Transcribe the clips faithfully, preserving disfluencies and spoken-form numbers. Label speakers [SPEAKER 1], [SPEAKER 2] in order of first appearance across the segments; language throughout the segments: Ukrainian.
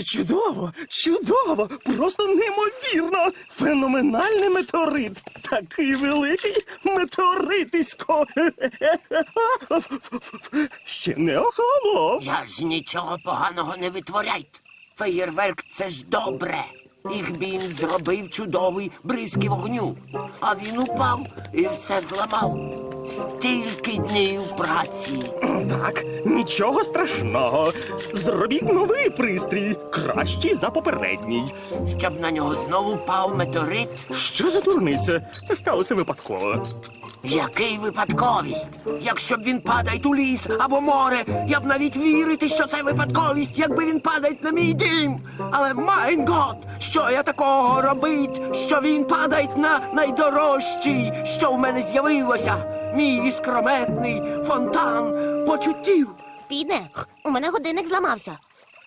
[SPEAKER 1] Чудово, чудово, просто неймовірно. Феноменальний метеорит. Такий великий метеоритисько. Ще не охолонув.
[SPEAKER 2] Я ж нічого поганого не витворяйте. Феєрверк – це ж добре. Ігбін зробив чудовий бризки вогню. А він упав і все зламав. Стільки днів праці.
[SPEAKER 1] Так, нічого страшного. Зробіть новий пристрій, кращий за попередній.
[SPEAKER 2] Щоб на нього знову впав метеорит.
[SPEAKER 1] Що за дурниця? Це сталося випадково.
[SPEAKER 2] Який випадковість? Якщо б він падає у ліс або море, я б навіть вірити, що це випадковість, якби він падає на мій дім. Але, майн гот, що я такого робить, що він падає на найдорожчий, що в мене з'явилося? Мій іскрометний фонтан почуттів.
[SPEAKER 3] Піде, у мене годинник зламався.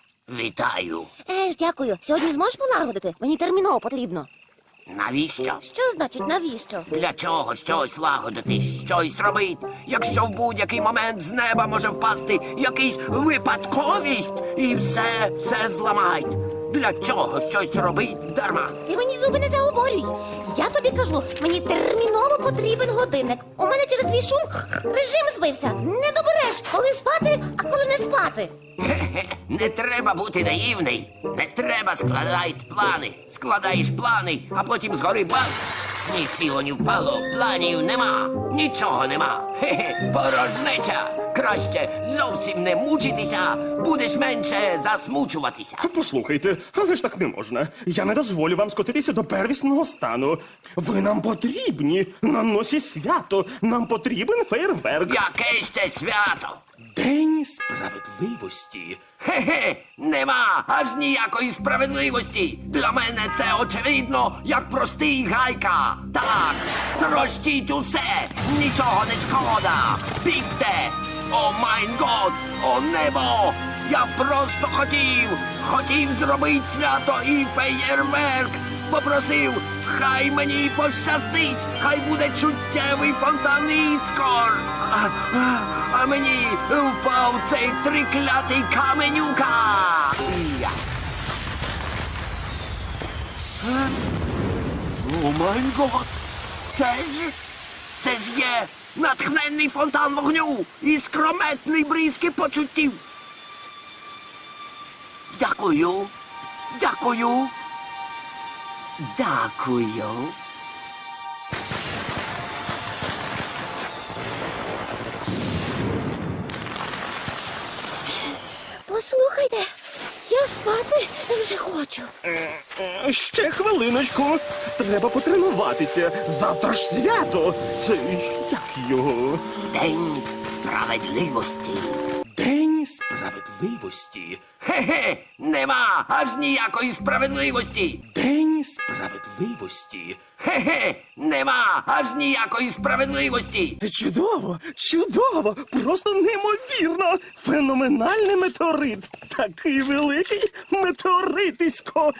[SPEAKER 2] Вітаю.
[SPEAKER 3] Еж, дякую. Сьогодні зможеш полагодити? Мені терміново потрібно.
[SPEAKER 2] Навіщо?
[SPEAKER 3] Що значить навіщо?
[SPEAKER 2] Для чого щось лагодити, щось робити, якщо в будь-який момент з неба може впасти якийсь випадковість і все, все зламають? Для чого щось робить дарма?
[SPEAKER 3] Ти мені зуби не заговорюй. Я тобі кажу, мені терміново потрібен годинник. У мене через твій шум режим збився. Не добереш, коли спати, а коли не спати.
[SPEAKER 2] Хе-хе, не треба бути наївний. Не треба складати плани. Складаєш плани, а потім згори бац. Ні сіло, ні впало, планів нема. Нічого нема. Хе-хе, порожнеча. Краще зовсім не мучитися, будеш менше засмучуватися.
[SPEAKER 1] Послухайте, але ж так не можна. Я не дозволю вам скотитися до первісного стану. Ви нам потрібні. На носі свято. Нам потрібен фейерверк.
[SPEAKER 2] Яке ще свято?
[SPEAKER 1] День справедливості.
[SPEAKER 2] Хе-хе, нема аж ніякої справедливості. Для мене це очевидно, як простий гайка. Так, трощіть усе, нічого не шкода. Бігте! О майн год, о небо! Я просто хотів, хотів зробити свято і феєрверк. Попросив, хай мені пощастить, хай буде чуттєвий фонтан іскор. А, а, а мені впав цей триклятий каменюка. Я. Е? О май гот! Це ж, це ж є натхненний фонтан вогню і скрометний бризки почуттів. Дякую, дякую. Дякую.
[SPEAKER 3] Послухайте, я спати вже хочу.
[SPEAKER 1] Е, Ще хвилиночку. Треба потренуватися. Завтра ж свято. Це як його?
[SPEAKER 2] День справедливості.
[SPEAKER 1] День справедливості.
[SPEAKER 2] Хе-хе, нема аж ніякої справедливості.
[SPEAKER 1] День справедливості.
[SPEAKER 2] Хе-хе, нема аж ніякої справедливості.
[SPEAKER 1] Чудово, чудово, просто неймовірно. Феноменальний метеорит. Такий великий метеоритисько.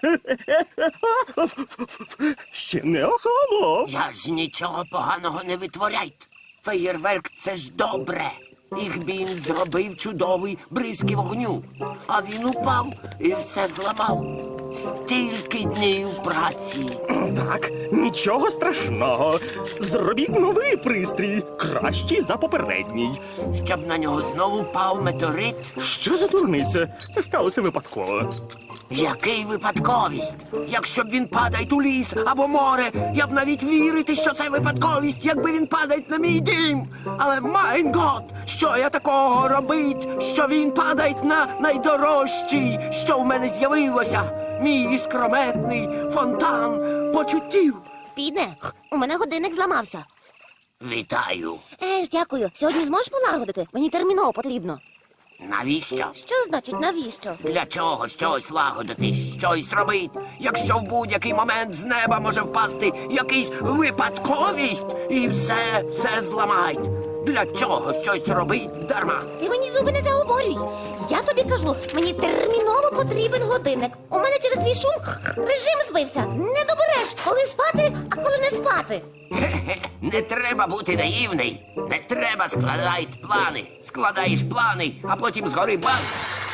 [SPEAKER 1] Ще не охолонув.
[SPEAKER 2] Я ж нічого поганого не витворяйте. Феєрверк – це ж добре. Ігбін зробив чудовий бризки вогню. А він упав і все зламав. Стільки днів праці.
[SPEAKER 1] Так, нічого страшного. Зробіть новий пристрій, кращий за попередній.
[SPEAKER 2] Щоб на нього знову впав метеорит.
[SPEAKER 1] Що за дурниця? Це сталося випадково.
[SPEAKER 2] Який випадковість? Якщо б він падає у ліс або море, я б навіть вірити, що це випадковість, якби він падає на мій дім. Але, майн гот, що я такого робить, що він падає на найдорожчий, що в мене з'явилося? Мій іскрометний фонтан почуттів.
[SPEAKER 3] Піде, у мене годинник зламався.
[SPEAKER 2] Вітаю.
[SPEAKER 3] Еж, дякую. Сьогодні зможеш полагодити? Мені терміново потрібно.
[SPEAKER 2] Навіщо?
[SPEAKER 3] Що значить навіщо?
[SPEAKER 2] Для чого щось лагодити, щось робити, якщо в будь-який момент з неба може впасти якийсь випадковість і все, все зламають? Для чого щось робить дарма?
[SPEAKER 3] Ти мені зуби не заговорюй. Я тобі кажу, мені терміново потрібен годинник. У мене через твій шум режим збився. Не добереш, коли спати, а коли не спати.
[SPEAKER 2] Хе-хе, не треба бути наївний. Не треба складати плани. Складаєш плани, а потім згори бац.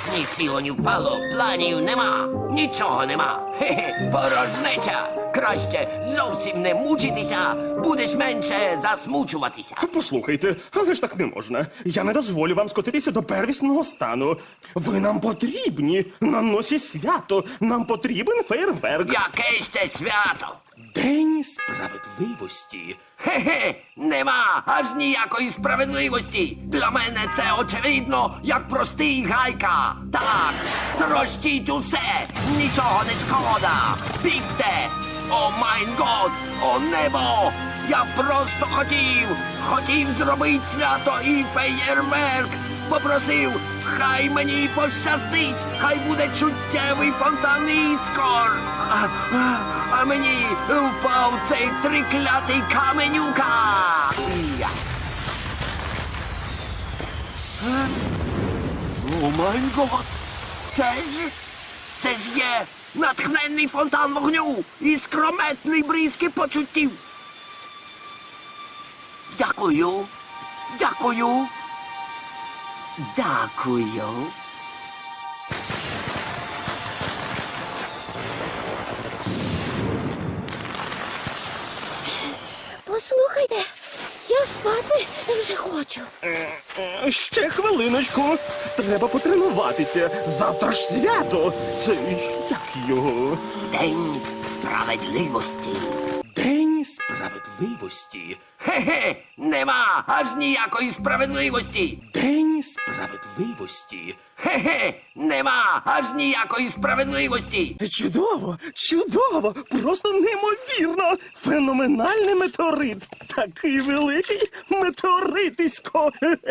[SPEAKER 2] Ні сіло, ні впало, планів нема, нічого нема. Хе-хе, порожнеча. Краще зовсім не мучитися, будеш менше засмучуватися.
[SPEAKER 1] Послухайте, але ж так не можна. Я не дозволю вам скотитися до первісного стану. Ви нам потрібні на носі свято. Нам потрібен фейерверк.
[SPEAKER 2] Яке ще свято?
[SPEAKER 1] День справедливості.
[SPEAKER 2] Хе-хе, нема аж ніякої справедливості. Для мене це очевидно, як простий гайка. Так, трощіть усе, нічого не шкода. Бігте! О майн год, о небо! Я просто хотів, хотів зробити свято і феєрверк. Попросив, хай мені пощастить, хай буде чуттєвий фонтан іскор. А, а, а мені впав цей триклятий каменюка. Я. Е? О май гот! Це ж, це ж є натхненний фонтан вогню і скрометний бризки почуттів. Дякую, дякую. Дякую.
[SPEAKER 3] Послухайте, я спати вже хочу.
[SPEAKER 1] Е, Ще хвилиночку. Треба потренуватися. Завтра ж свято. Це як його?
[SPEAKER 2] День справедливості.
[SPEAKER 1] День справедливості.
[SPEAKER 2] Хе-хе, нема аж ніякої справедливості.
[SPEAKER 1] День справедливості.
[SPEAKER 2] Хе-хе, нема аж ніякої справедливості.
[SPEAKER 1] Чудово, чудово, просто неймовірно. Феноменальний метеорит. Такий великий метеоритисько.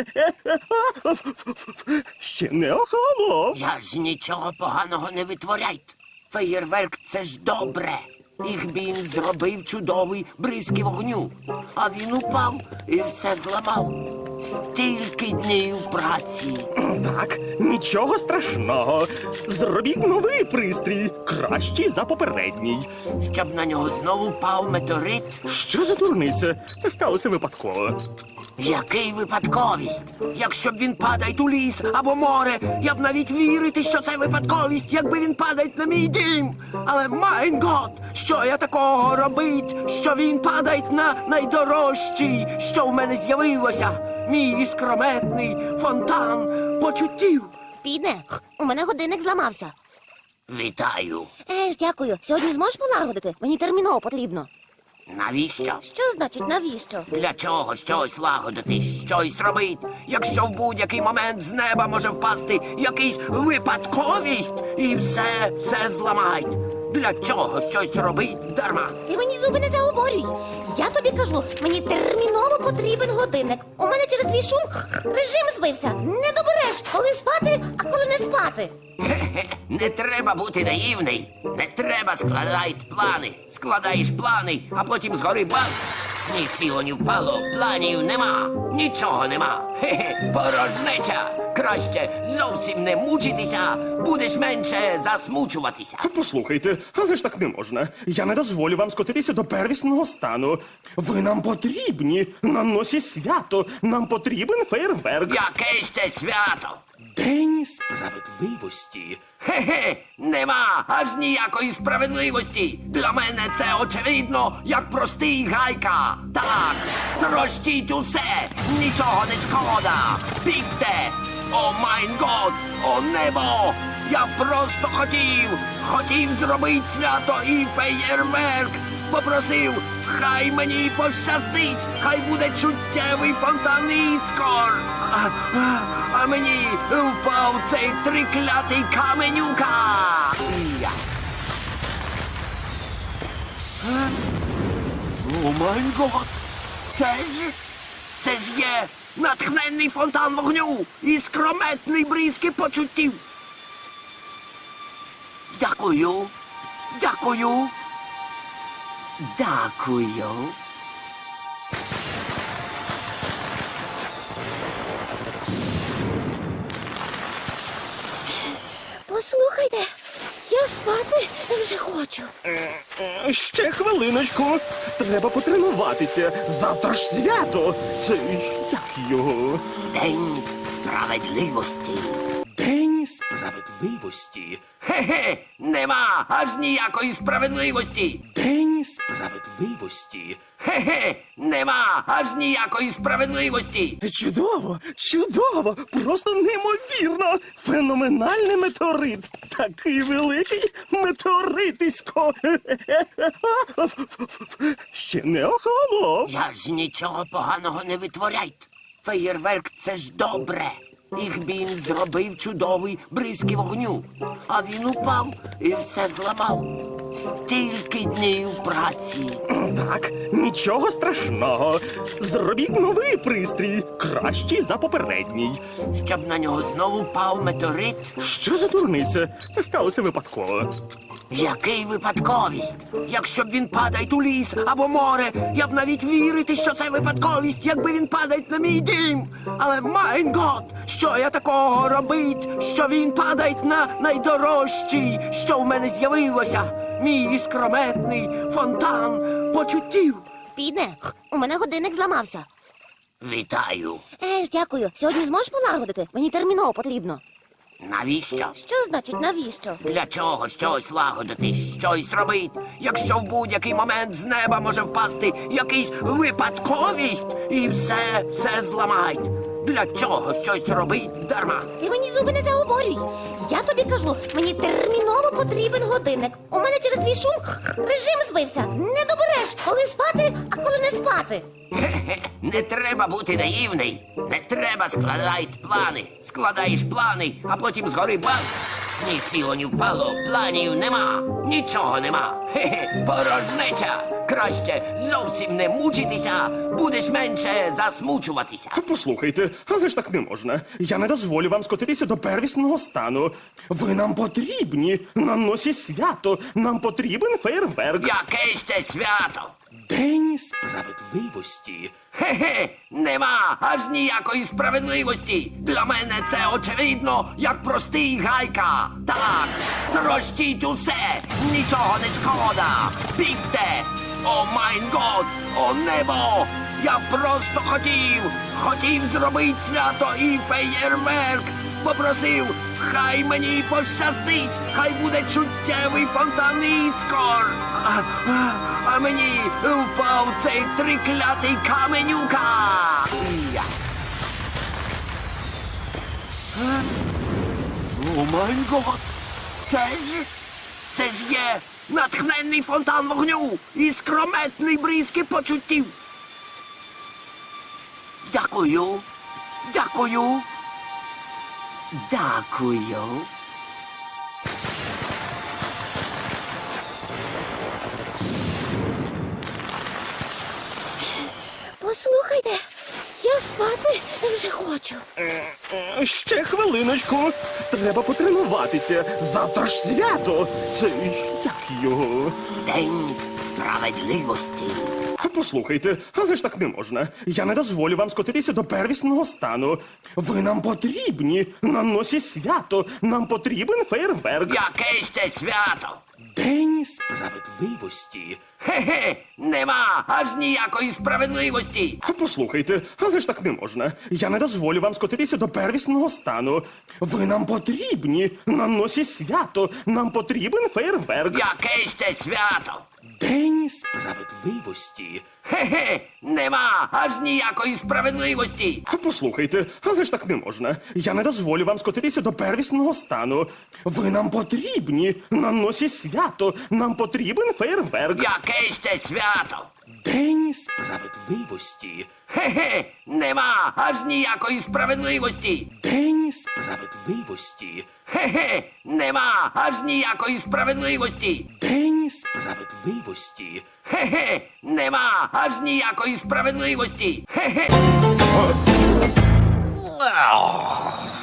[SPEAKER 1] Ще не охолонув.
[SPEAKER 2] Я ж нічого поганого не витворяйте. Феєрверк це ж добре. Їх він зробив чудовий бризки вогню. А він упав і все зламав. Стільки днів праці.
[SPEAKER 1] Так, нічого страшного. Зробіть новий пристрій, кращий за попередній.
[SPEAKER 2] Щоб на нього знову впав метеорит.
[SPEAKER 1] Що за дурниця? Це сталося випадково.
[SPEAKER 2] Який випадковість? Якщо б він падає у ліс або море, я б навіть вірити, що це випадковість, якби він падає на мій дім. Але майн гот, що я такого робить, що він падає на найдорожчий, що в мене з'явилося. Мій іскрометний фонтан почуттів.
[SPEAKER 3] Підне, у мене годинник зламався.
[SPEAKER 2] Вітаю.
[SPEAKER 3] Е ж, дякую. Сьогодні зможеш полагодити? Мені терміново потрібно.
[SPEAKER 2] Навіщо?
[SPEAKER 3] Що значить навіщо?
[SPEAKER 2] Для чого щось лагодити, щось робити, якщо в будь-який момент з неба може впасти якийсь випадковість і все, все зламають. Для чого щось робить дарма?
[SPEAKER 3] Ти мені зуби не заговорюй. Я тобі кажу, мені терміново потрібен годинник. У мене через твій шум режим збився. Не добереш, коли спати, а коли не спати.
[SPEAKER 2] Хе-хе, не треба бути наївний. Не треба складати плани. Складаєш плани, а потім згори бац. Ні сіло, ні впало, планів нема, нічого нема. Хе-хе, порожнеча. Краще зовсім не мучитися, будеш менше засмучуватися.
[SPEAKER 1] Послухайте, але ж так не можна. Я не дозволю вам скотитися до первісного стану. Ви нам потрібні на носі свято. Нам потрібен фейерверк.
[SPEAKER 2] Яке ще свято?
[SPEAKER 1] День справедливості.
[SPEAKER 2] Хе-хе, нема аж ніякої справедливості. Для мене це очевидно, як простий гайка. Так, трощіть усе, нічого не шкода. Бігте! О майн год, о небо! Я просто хотів, хотів зробити свято і феєрверк. Попросив, хай мені пощастить, хай буде чуттєвий фонтан іскор. А, а, а мені впав цей триклятий каменюка. Я. Е? О май гот! Це ж, це ж є натхненний фонтан вогню і скрометний бризки почуттів. Дякую, дякую, дякую.
[SPEAKER 3] Послухайте, я спати вже хочу.
[SPEAKER 1] Е, е, Ще хвилиночку. Треба потренуватися. Завтра ж свято. Це як його?
[SPEAKER 2] День справедливості.
[SPEAKER 1] День
[SPEAKER 2] Справедливості? Хе-хе, нема аж ніякої справедливості.
[SPEAKER 1] День
[SPEAKER 2] Справедливості? Хе-хе, нема аж ніякої справедливості.
[SPEAKER 1] Чудово, чудово, просто неймовірно. Феноменальний метеорит. Такий великий метеоритисько. Ще не охолонув.
[SPEAKER 2] Я ж нічого поганого не витворяйте. Феєрверк — це ж добре. Їх він зробив чудовий бризки вогню. А він упав і все зламав. Стільки днів праці.
[SPEAKER 1] Так, нічого страшного. Зробіть новий пристрій, кращий за попередній.
[SPEAKER 2] Щоб на нього знову впав метеорит.
[SPEAKER 1] Що за дурниця? Це сталося випадково.
[SPEAKER 2] Який випадковість? Якщо б він падає у ліс або море, я б навіть вірити, що це випадковість, якби він падає на мій дім. Але, майн гот, що я такого робить, що він падає на найдорожчий, що в мене з'явилося? Мій іскрометний фонтан почуттів.
[SPEAKER 3] Підне, у мене годинник зламався.
[SPEAKER 2] Вітаю.
[SPEAKER 3] Е ж, дякую. Сьогодні зможеш полагодити? Мені терміново потрібно.
[SPEAKER 2] Навіщо?
[SPEAKER 3] Що значить навіщо?
[SPEAKER 2] Для чого щось лагодити, щось робити, якщо в будь-який момент з неба може впасти якийсь випадковість і все, все зламають? Для чого щось робить дарма?
[SPEAKER 3] Ти мені зуби не заговорюй. Я тобі кажу, мені терміново потрібен годинник. У мене через твій шум режим збився. Не добереш, коли спати, а коли не спати.
[SPEAKER 2] Хе-хе, не треба бути наївний. Не треба складати плани. Складаєш плани, а потім згори бац. Ні сіло, ні впало, планів нема. Нічого нема. Хе-хе, порожнеча. Краще зовсім не мучитися, будеш менше засмучуватися.
[SPEAKER 1] Послухайте, але ж так не можна. Я не дозволю вам скотитися до первісного стану. Ви нам потрібні на носі свято. Нам потрібен фейерверк.
[SPEAKER 2] Яке ще свято?
[SPEAKER 1] День
[SPEAKER 2] Справедливості? Хе-хе, нема аж ніякої справедливості. Для мене це очевидно, як простий гайка. Так, трощіть усе, нічого не шкода. Бігте! О майн год, о небо! Я просто хотів, хотів зробити свято і феєрверк. Попросив, хай мені пощастить, хай буде чуттєвий фонтан іскор. А, а, а мені впав цей триклятий каменюка. Я. А? О май гот! Це ж, це ж є натхненний фонтан вогню і скрометний бризки почуттів. Дякую, дякую. Дякую.
[SPEAKER 3] Послухайте, я спати вже хочу.
[SPEAKER 1] Е, Ще хвилиночку. Треба потренуватися. Завтра ж свято. Це як його?
[SPEAKER 2] День справедливості.
[SPEAKER 1] Послухайте, але ж так не можна. Я не дозволю вам скотитися до первісного стану. Ви нам потрібні на носі свято. Нам потрібен фейерверк.
[SPEAKER 2] Яке ще свято?
[SPEAKER 1] День
[SPEAKER 2] Справедливості? Хе-хе, нема аж ніякої справедливості.
[SPEAKER 1] Послухайте, але ж так не можна. Я не дозволю вам скотитися до первісного стану. Ви нам потрібні на носі свято. Нам потрібен фейерверк.
[SPEAKER 2] Яке ще свято?
[SPEAKER 1] День
[SPEAKER 2] Справедливості? Хе-хе, нема аж ніякої справедливості.
[SPEAKER 1] Послухайте, але ж так не можна. Я не дозволю вам скотитися до первісного стану. Ви нам потрібні на носі свято. Нам потрібен фейерверк.
[SPEAKER 2] Яке ще свято?
[SPEAKER 1] День
[SPEAKER 2] Справедливості? Хе-хе, нема аж ніякої справедливості.
[SPEAKER 1] День
[SPEAKER 2] Справедливості? Хе-хе, нема аж ніякої справедливості.
[SPEAKER 1] День
[SPEAKER 2] Справедливості? Хе-хе, нема аж ніякої справедливості. Хе-хе.